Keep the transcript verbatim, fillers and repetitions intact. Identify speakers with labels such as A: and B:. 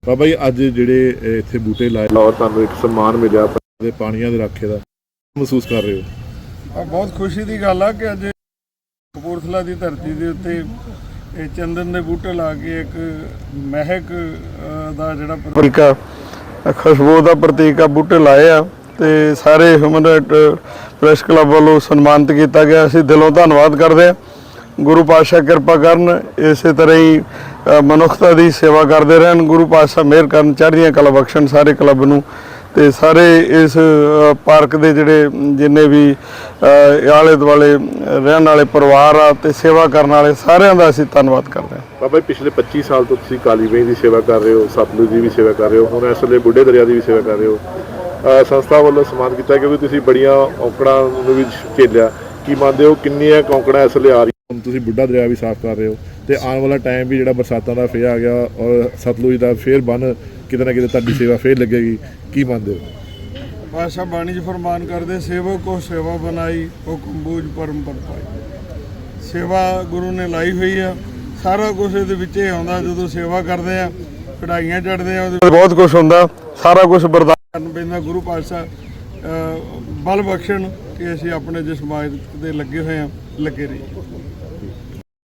A: ਬਾਬਾ ਜੀ ਅੱਜ ਜਿਹੜੇ ਇੱਥੇ ਬੂਟੇ ਲਾਏ ਔਰ ਤੁਹਾਨੂੰ ਇੱਕ ਸਨਮਾਨ ਮਿਲਿਆ ਤੇ ਪਾਣੀਆਂ ਦੇ ਰਾਖੇ ਦਾ ਮਹਿਸੂਸ ਕਰ ਰਹੇ ਹੋ?
B: ਬਹੁਤ ਖੁਸ਼ੀ ਦੀ ਗੱਲ ਆ ਕਿ ਅੱਜ ਕਪੂਰਥਲਾ ਦੀ ਧਰਤੀ ਦੇ ਉੱਤੇ ਇਹ ਚੰਦਨ ਦੇ ਬੂਟੇ ਲਾ ਕੇ ਇੱਕ ਮਹਿਕ ਦਾ ਜਿਹੜਾ ਪ੍ਰਤੀਕ ਆ, ਖੁਸ਼ਬੂ ਦਾ ਪ੍ਰਤੀਕ ਆ, ਬੂਟੇ ਲਾਏ ਆ ਤੇ ਸਾਰੇ ਹਿਊਮਨ ਰਾਈਟ ਪ੍ਰੈਸ ਕਲੱਬ ਵੱਲੋਂ ਸਨਮਾਨਿਤ ਕੀਤਾ ਗਿਆ। ਅਸੀਂ ਦਿਲੋਂ ਧੰਨਵਾਦ ਕਰਦੇ ਹਾਂ। ਗੁਰੂ ਪਾਤਸ਼ਾਹ ਕਿਰਪਾ ਕਰਨ, ਇਸੇ ਤਰ੍ਹਾਂ ਹੀ ਮਨੁੱਖਤਾ ਦੀ ਸੇਵਾ ਕਰਦੇ ਰਹਿਣ। ਗੁਰੂ ਪਾਤਸ਼ਾਹ ਮਿਹਰ ਕਰਨ, ਚੜ੍ਹਦੀਆਂ ਕਲਾ ਬਖਸ਼ਣ ਸਾਰੇ ਕਲੱਬ ਨੂੰ ਤੇ ਸਾਰੇ ਇਸ ਪਾਰਕ ਦੇ ਜਿਹੜੇ ਜਿੰਨੇ ਵੀ ਆਲੇ ਦੁਆਲੇ ਰਹਿਣ ਵਾਲੇ ਪਰਿਵਾਰ ਆ ਤੇ ਸੇਵਾ ਕਰਨ ਵਾਲੇ ਸਾਰਿਆਂ ਦਾ ਅਸੀਂ ਧੰਨਵਾਦ ਕਰਦੇ ਹਾਂ।
A: ਬਾਬਾ ਜੀ ਪਿਛਲੇ ਪੱਚੀ ਸਾਲ ਤੋਂ ਤੁਸੀਂ ਕਾਲੀ ਵੇਈ ਦੀ ਸੇਵਾ ਕਰ ਰਹੇ ਹੋ, ਸਤਲੁਜ ਦੀ ਵੀ ਸੇਵਾ ਕਰ ਰਹੇ ਹੋ, ਹੁਣ ਇਸ ਵੇਲੇ ਬੁੱਢੇ ਦਰਿਆ ਦੀ ਵੀ ਸੇਵਾ ਕਰ ਰਹੇ ਹੋ। ਸੰਸਥਾ ਵੱਲੋਂ ਸਨਮਾਨ ਕੀਤਾ ਕਿਉਂਕਿ ਤੁਸੀਂ ਬੜੀਆਂ ਔਂਕੜਾਂ ਨੂੰ ਵੀ ਝੇਲਿਆ। ਕੀ ਮੰਨਦੇ ਹੋ ਕਿੰਨੀਆਂ ਔਂਕੜਾਂ ਇਸ ਵੇਲੇ ਆ ਰਹੀਆਂ? ਹੁਣ ਤੁਸੀਂ ਬੁੱਢਾ ਦਰਿਆ ਵੀ ਸਾਫ਼ ਕਰ ਰਹੇ ਹੋ ਤੇ ਆਉਣ ਵਾਲਾ ਟਾਈਮ ਵੀ ਜਿਹੜਾ ਬਰਸਾਤਾਂ ਦਾ ਫੇਰ ਆ ਗਿਆ ਔਰ ਸਤਲੁਜ ਦਾ ਫੇਰ ਬੰਨ ਕਿਤੇ ਨਾ ਕਿਤੇ ਤੁਹਾਡੀ ਸੇਵਾ ਫੇਰ ਲੱਗੇਗੀ। ਕੀ ਮੰਨਦੇ ਹੋ?
B: ਪਾਤਸ਼ਾਹ ਬਾਣੀ 'ਚ ਫਰਮਾਨ ਕਰਦੇ, ਸੇਵਕ ਕੋ ਸੇਵਾ ਬਣਾਈ ਹੁਕਮ ਬੂਝ ਪਰਮ ਪਦ ਪਾਈ। ਸੇਵਾ ਗੁਰੂ ਨੇ ਲਾਈ ਹੋਈ ਆ, ਸਾਰਾ ਕੁਝ ਇਹਦੇ ਵਿੱਚ ਹੀ ਆਉਂਦਾ। ਜਦੋਂ ਸੇਵਾ ਕਰਦੇ ਆ, ਕਢਾਈਆਂ ਚੜ੍ਹਦੇ ਆ, ਉਹਦੇ ਬਹੁਤ ਕੁਝ ਹੁੰਦਾ, ਸਾਰਾ ਕੁਝ ਬਰਦਾਸ਼ਤ ਕਰਨਾ ਪੈਂਦਾ। ਗੁਰੂ ਪਾਤਸ਼ਾਹ ਬਲ ਬਖਸ਼ਣ ਕਿ ਅਸੀਂ ਆਪਣੇ ਜਿਸ ਸਮਾਜ ਦੇ ਲੱਗੇ ਹੋਏ ਆ ਲੱਗੇ ਰਹੀਏ।